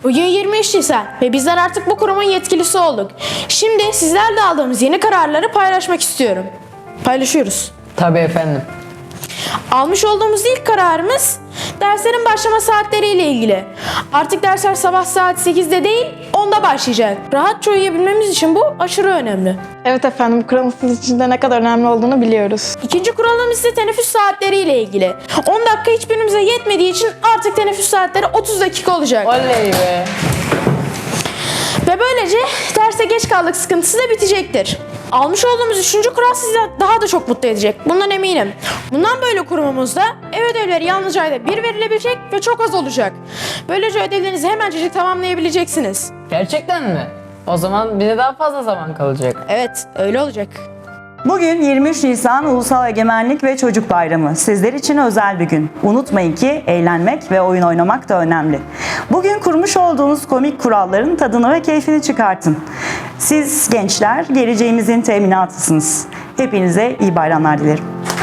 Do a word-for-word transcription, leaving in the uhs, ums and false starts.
Bugün yirmi üç Nisan ve bizler artık bu kurumun yetkilisi olduk. Şimdi sizlerle aldığımız yeni kararları paylaşmak istiyorum. Paylaşıyoruz. Tabii efendim. Almış olduğumuz ilk kararımız derslerin başlama saatleriyle ilgili. Artık dersler sabah saat sekizde değil onda başlayacak. Rahatça uyuyabilmemiz için bu aşırı önemli. Evet efendim, bu kuralın sizin için de ne kadar önemli olduğunu biliyoruz. İkinci kuralımız ise teneffüs saatleriyle ilgili. on dakika hiçbirimize yetmediği için artık teneffüs saatleri otuz dakika olacak. Oley be. Ve böylece derse geç kaldık sıkıntısı da bitecektir. Almış olduğumuz üçüncü kural sizi daha da çok mutlu edecek. Bundan eminim. Bundan böyle kurumumuzda ev ödevleri yalnızca ayda bir verilebilecek ve çok az olacak. Böylece ödevlerinizi hemencecik tamamlayabileceksiniz. Gerçekten mi? O zaman bize daha fazla zaman kalacak. Evet, öyle olacak. Bugün yirmi üç Nisan Ulusal Egemenlik ve Çocuk Bayramı. Sizler için özel bir gün. Unutmayın ki eğlenmek ve oyun oynamak da önemli. Bugün kurmuş olduğunuz komik kuralların tadını ve keyfini çıkartın. Siz gençler geleceğimizin teminatısınız. Hepinize iyi bayramlar dilerim.